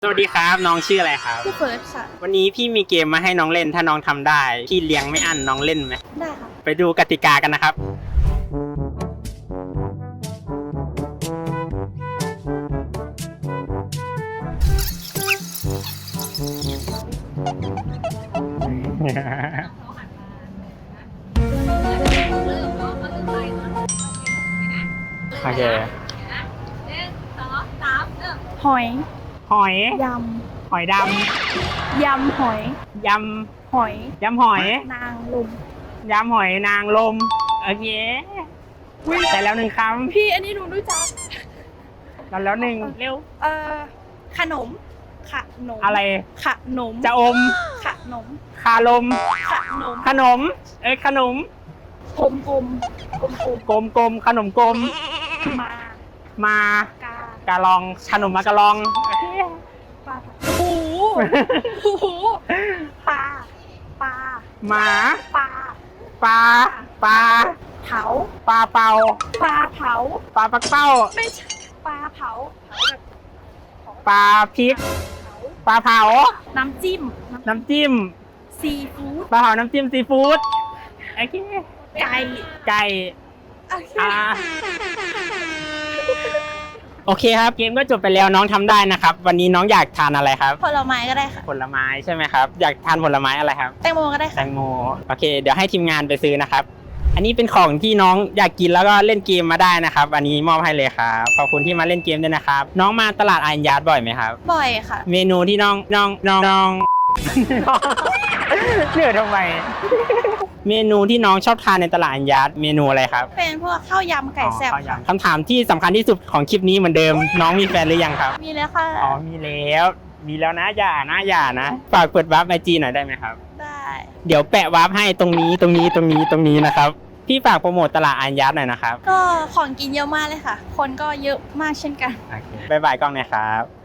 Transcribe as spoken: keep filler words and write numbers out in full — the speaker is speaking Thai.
สวัสดีครับน้องชื่ออะไรครับพี่เฟิร์สค่ะวันนี้พี่มีเกมมาให้น้องเล่นถ้าน้องทำได้พี่เลี้ยงไม่อั้นน้องเล่นไหมได้ค่ะไปดูกติกากันนะครับโอเคหอยหอยยหอยดำยำหอยำยหอยำยำหอยนางลมยำหอยนางลมโอเคแต่แล้วหนึ่งคำพี่อันนี้หนูรู้จักแล้วแล้วหนึ่งเร็วเอ่อขนมขนมอะไรขนมจะอมขนมคาลมขนมขนมเอ้ยขนมกลมกลมกลมกลมกลมกลมขนมกลมมามากากาลองขนมมากาลองปลาหูหูปลาปลาหมาปลาปลาปลาเผาปลาเป่าปลาเผาปลาปักเป้าไม่ใช่ปลาเผาปลาพริกปลาเผาน้ำจิ้มน้ำจิ้มซีฟู้ดปลาเผาน้ำจิ้มซีฟู้ดโอเคไก่ไก่อ่าโอเคครับเกมก็จบไปแล้วน้องทำได้นะครับวันนี้น้องอยากทานอะไรครับผลไม้ก็ได้ค่ะผลไม้ใช่ไหมครับอยากทานผลไม้อะไรครับแตงโมก็ได้ค่ะแตงโมโอเคเดี๋ยวให้ทีมงานไปซื้อนะครับอันนี้เป็นของที่น้องอยากกินแล้วก็เล่นเกมมาได้นะครับอันนี้มอบให้เลยครับขอบคุณที่มาเล่นเกมด้วยนะครับน้องมาตลาดอันยาร์ดบ่อยไหมครับบ่อยค่ะเมนูที่น้องน้องน้องน้องเหนื่อยทำไมเมนูที่น้องชอบทานในตลาดอันยาร์ดเมนูอะไรครับเป็นพวกข้าวยำไก่แซ่บคำถามที่สำคัญที่สุดของคลิปนี้เหมือนเดิมน้องมีแฟนหรือยังครับมีแล้วค่ะอ๋อมีแล้วมีแล้วนะอย่านะอย่านะฝากเปิดวาร์ปไอจีหน่อยได้ไหมครับได้เดี๋ยวแปะวาร์ปให้ตรงนี้ตรงนี้ตรงนี้ตรงนี้นะครับพี่ฝากโปรโมทตลาดอันยาร์ดหน่อยนะครับก็ของกินเยอะมากเลยค่ะคนก็เยอะมากเช่นกันโอเคบ๊ายบายกล้องนะครับ